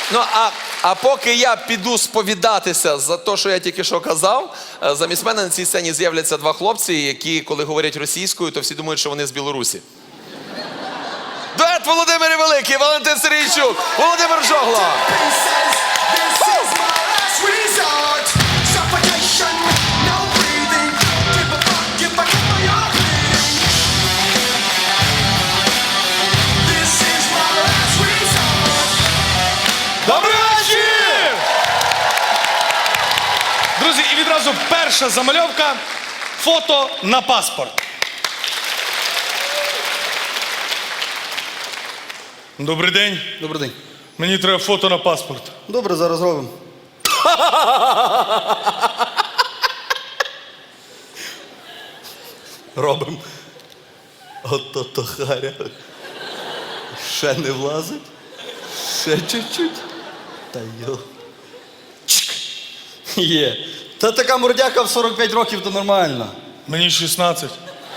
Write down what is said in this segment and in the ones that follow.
Ну, а поки я піду сповідатися за те, що я тільки що казав, замість мене на цій сцені з'являться два хлопці, які, коли говорять російською, то всі думають, що вони з Білорусі. Дует Володимир Великий, Валентин Сергійчук, Володимир Жогла. Добрий вечір! Друзі, і відразу перша замальовка – фото на паспорт. Добрий день. Добрий день. Мені треба фото на паспорт. Добре, зараз робимо. Робимо. Ото-то харя. Ще не влазить? Ще чуть-чуть. Та йо. Чик. Є. Та така мордяка в 45 років, то нормально. Мені 16.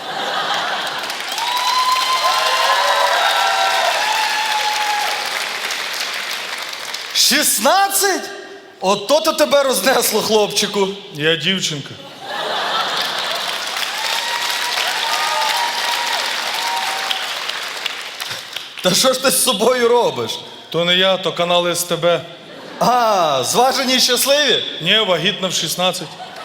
— 16? Ото-то тебе рознесло, хлопчику. Я дівчинка. Та що ж ти з собою робиш? То не я, то канал СТБ. А, зважені й щасливі? Ні, вагітна в 16.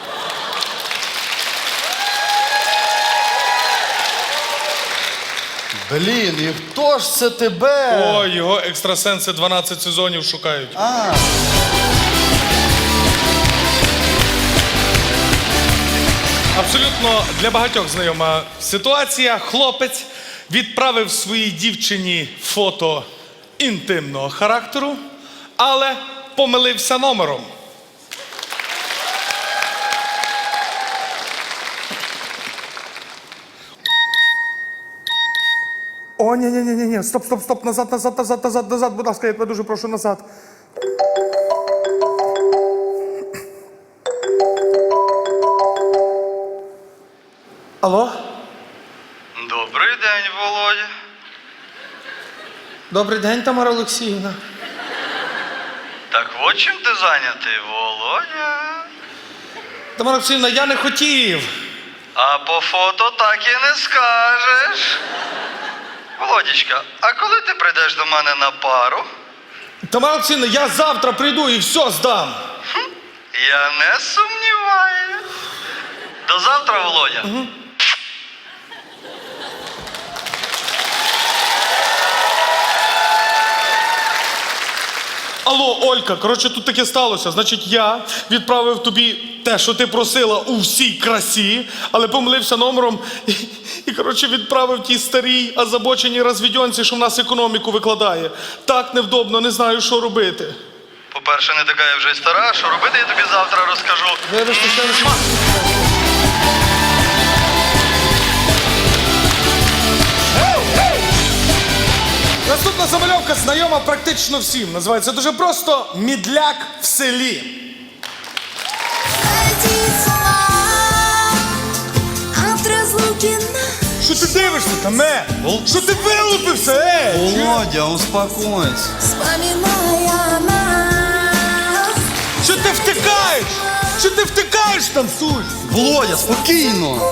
Блін, і хто ж це тебе? Ой, його екстрасенси 12 сезонів шукають. А. Абсолютно для багатьох знайома ситуація. Хлопець відправив своїй дівчині фото інтимного характеру, але помилився номером. О, ні, стоп, назад, будь ласка, я тебе дуже прошу, назад. Алло? Добрий день, Володя. Добрий день, Тамара Олексіївна. Так от чим ти зайнятий, Володя? Тамара Олексіївна, я не хотів. А по фото так і не скажеш. Володічка, а коли ти прийдеш до мене на пару? Тамара Олексіївна, я завтра прийду і все здам. Я не сумніваюсь. До завтра, Володя. Алло, Олька, коротше, тут таке сталося. Значить, я відправив тобі те, що ти просила у всій красі, але помилився номером і коротше, відправив тій старій озабоченій розвідьонці, що в нас економіку викладає. Так невдобно, не знаю, що робити. По-перше, не така я вже й стара, що робити я тобі завтра розкажу. Вибачте, що я не Наступна замальовка знайома практично всім. Називається дуже просто «Мідляк в селі». Що ти дивишся там, Що ти вилупився, Володя, успокойся. Що ти втикаєш? Що ти втикаєш там, Суль? Володя, спокійно.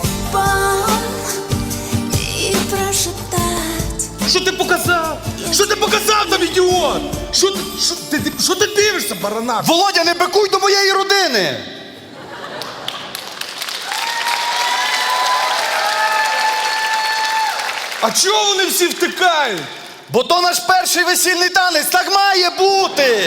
Що ти показав? Що ти показав там, ідіот? Що ти дивишся, баранаш? Володя, не бикуй до моєї родини! А чого вони всі втикають? Бо то наш перший весільний танець, так має бути!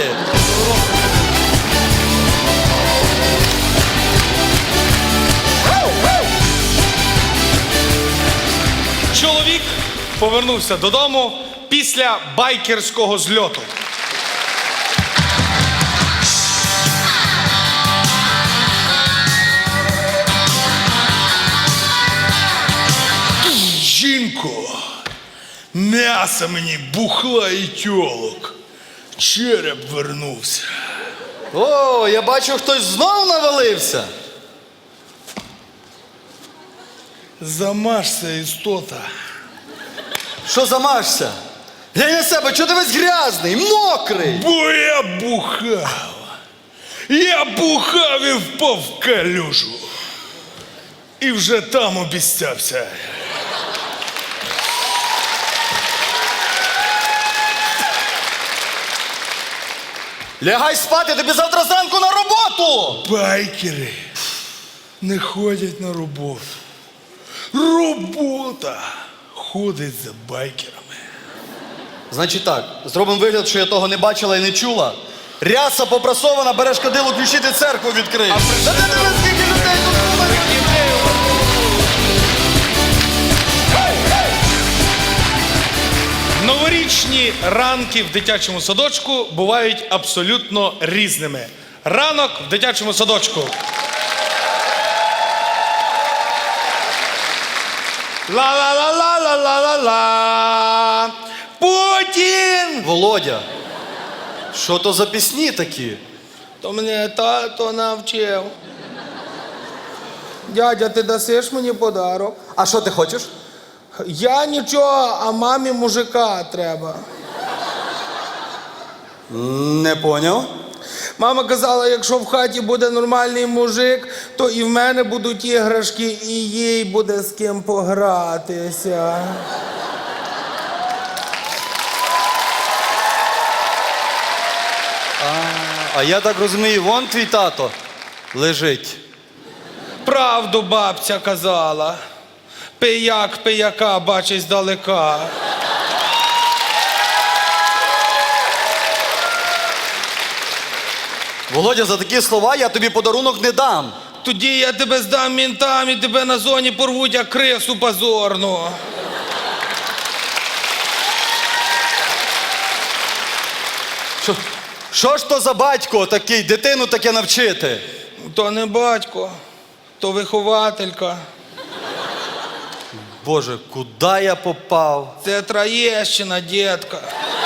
Чоловік повернувся додому після байкерського зльоту. Жінко, м'ясо мені, бухла і тьолок. Череп вернувся. О, я бачу, хтось знов навалився. Замажся, істота. Що замажся? Глянь на себе, чого ти весь грязний, мокрий? Бо я бухав. Я бухав і впав в калюжу. І вже там обіцявся. Лягай спати, тобі завтра зранку на роботу! Байкери не ходять на роботу. Робота ходить за байкерами. Значить так, зробимо вигляд, що я того не бачила і не чула. Ряса попрасована, береш кадило, ключі, ти церкву відкриєш. Та ти тебе скільки людей тут було? Новорічні ранки в дитячому садочку бувають абсолютно різними. Ранок в дитячому садочку. Ла-ла-ла-ла-ла-ла-ла. Путін! Володя, що то за пісні такі? То мене тато навчив. Дядя, ти дасиш мені подарок? А що ти хочеш? Я нічого, а мамі мужика треба. Не поняв. Мама казала, якщо в хаті буде нормальний мужик, то і в мене будуть іграшки, і їй буде з ким погратися. А я так розумію, вон твій тато лежить. Правду бабця казала. Пияк пияка бачить здалека. Володя, за такі слова я тобі подарунок не дам. Тоді я тебе здам мінтам і тебе на зоні порвуть, як крису позорну. Що ж то за батько такий, дитину таке навчити? То не батько, то вихователька. Боже, куди я попав? Це Троєщина, дітка.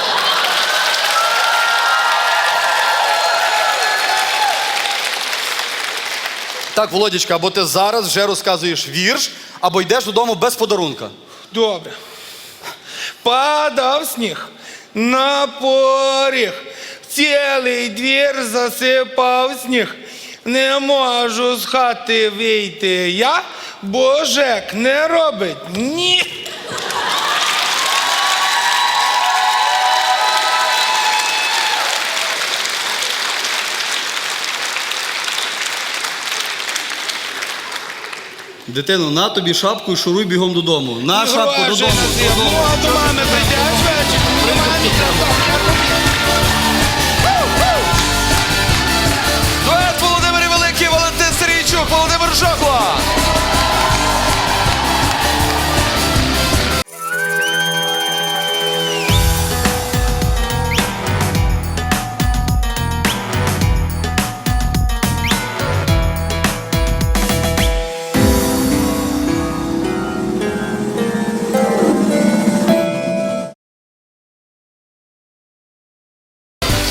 Так, Володічка, або ти зараз вже розказуєш вірш, або йдеш додому без подарунка. Добре. Падав сніг на поріг, цілий двір засипав сніг. Не можу з хати вийти я, бо ЖЕК не робить ні. Дитино, на тобі шапку і шуруй бігом додому. На шапку Гроші додому. на зиму, а до мами прийдеш вечір, до мами треба.